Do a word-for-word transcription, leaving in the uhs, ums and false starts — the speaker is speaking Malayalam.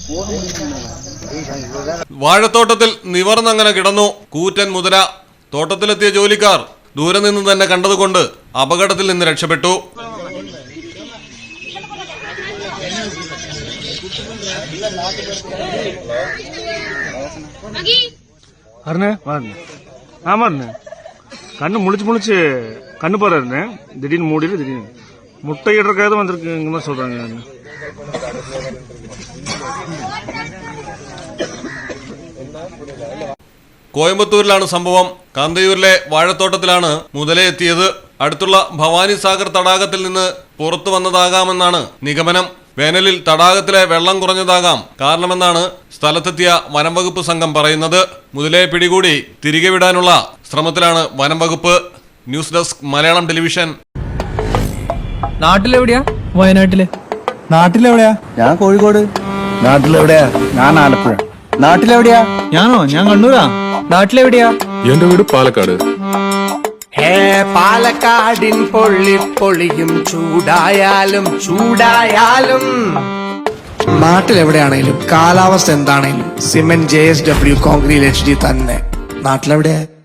വാഴത്തോട്ടത്തിൽ നിവർന്നങ്ങനെ കിടന്നു കൂറ്റൻ മുതല. തോട്ടത്തിലെത്തിയ ജോലിക്കാർ ദൂരെ നിന്ന് തന്നെ കണ്ടതുകൊണ്ട് അപകടത്തിൽ നിന്ന് രക്ഷപ്പെട്ടു. கண்ணு முழிச்சு முழிச்சு கண்ணு பாரு இருந்தேன். திடீர்னு மூடிட்டு திடீர்னு முட்டை இடறக்காவது வந்திருக்குங்க சொல்றாங்க. കോയമ്പത്തൂരിലാണ് സംഭവം. കാന്തയൂരിലെ വാഴത്തോട്ടത്തിലാണ് മുതലയെത്തിയത്. അടുത്തുള്ള ഭവാനി സാഗർ തടാകത്തിൽ നിന്ന് പുറത്തു വന്നതാകാമെന്നാണ് നിഗമനം. വേനലിൽ തടാകത്തിലെ വെള്ളം കുറഞ്ഞതാകാം കാരണമെന്നാണ് സ്ഥലത്തെത്തിയ വനംവകുപ്പ് സംഘം പറയുന്നത്. മുതലയെ പിടികൂടി തിരികെ വിടാനുള്ള ശ്രമത്തിലാണ് വനംവകുപ്പ്. News desk Malayalam television. നാട്ടിലെവിടെയാ? വയനാട്ടില്. നാട്ടിലെവിടെയാ? ഞാൻ കോഴിക്കോട്. നാട്ടിലെവിടെയാ? ഞാൻ ആലപ്പുഴ. നാട്ടിലെവിടെയാ? ഞാനോ? ഞാൻ കണ്ണൂരാ. നാട്ടിലെവിടെയാ? എന്റെ വീട് പാലക്കാട്. ഹേ പാലക്കാടിൻ പൊള്ളി പൊളിയും ചൂടായാലും ചൂടായാലും നാട്ടിലെവിടെയാണേലും കാലാവസ്ഥ എന്താണേലും cement J S W concrete H D തന്നെ. നാട്ടിലെവിടെയാ?